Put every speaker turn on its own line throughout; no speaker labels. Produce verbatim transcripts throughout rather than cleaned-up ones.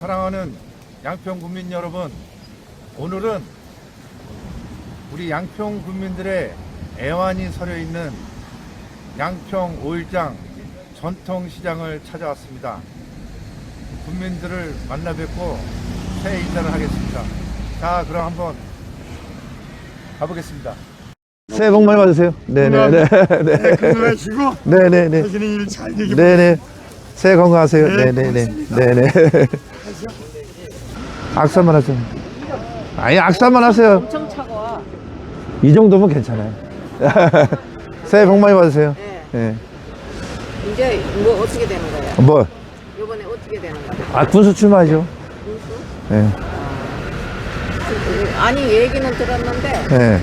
사랑하는 양평 국민 여러분, 오늘은 우리 양평 국민들의 애환이 서려 있는 양평 오일장 전통시장을 찾아왔습니다. 국민들을 만나 뵙고 새해 인사를 하겠습니다. 자, 그럼 한번 가보겠습니다.
새해 복 많이 받으세요. 네네네.
네, 건강하시고
네네네.
하시는 일 잘 되길
네네. 새해 건강하세요.
네,
네네네.
고맙습니다.
네네. 악수만 하세요. 아니, 악수만 하세요.
엄청 차가워.
이 정도면 괜찮아요. 새해 복 많이 받으세요.
네.
예.
이제 뭐 어떻게 되는 거예요?
뭐,
이번에 어떻게 되는 거예요?
아, 군수 출마하죠.
군수?
예.
아니 얘기는 들었는데
예.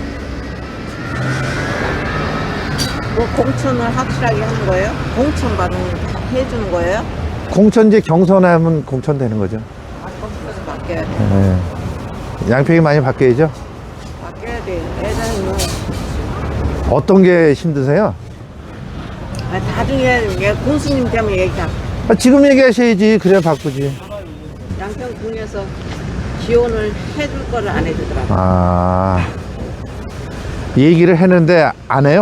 뭐 공천을 확실하게 하는 거예요? 공천 받은 해주는 거예요?
공천지 경선하면 공천되는 거죠.
아, 거기서 바뀌어야 돼.
예. 양평이 많이 바뀌어야죠.
바뀌어야 돼. 예전에 뭐
어떤 게 힘드세요?
아, 나중에 얘 군수님 때문에 얘기하.
아, 지금 얘기하셔야지. 그래야 바꾸지.
양평군에서 지원을 해줄 거를 안 해주더라고.
아, 얘기를 했는데 안 해요?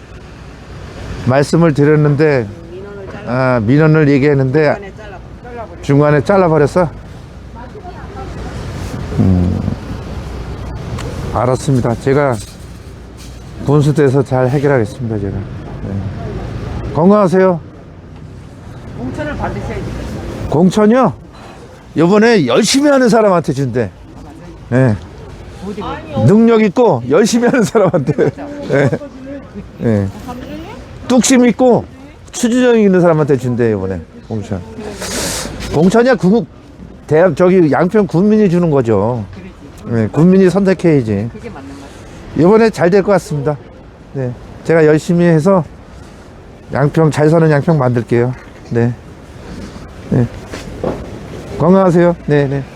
말씀을 드렸는데
민원을 잘라.
아, 민원을 얘기했는데
중간에 잘라 잘라버려.
중간에 잘라버렸어? 음, 알았습니다. 제가 군수돼서 잘 해결하겠습니다. 제가. 네. 건강하세요.
공천을 받으셔야지.
공천이요? 요번에 열심히 하는 사람한테 준대. 네. 능력 있고 열심히 하는 사람한테. 네. 네. 뚝심 있고 추진력 있는 사람한테 준대 이번에 공천. 공천이야 구, 대학 저기 양평 군민이 주는 거죠. 네, 군민이 선택해야지.
그게 맞는 거죠.
이번에 잘 될 것 같습니다. 네, 제가 열심히 해서 양평 잘 사는 양평 만들게요. 네, 네. 건강하세요. 네, 네.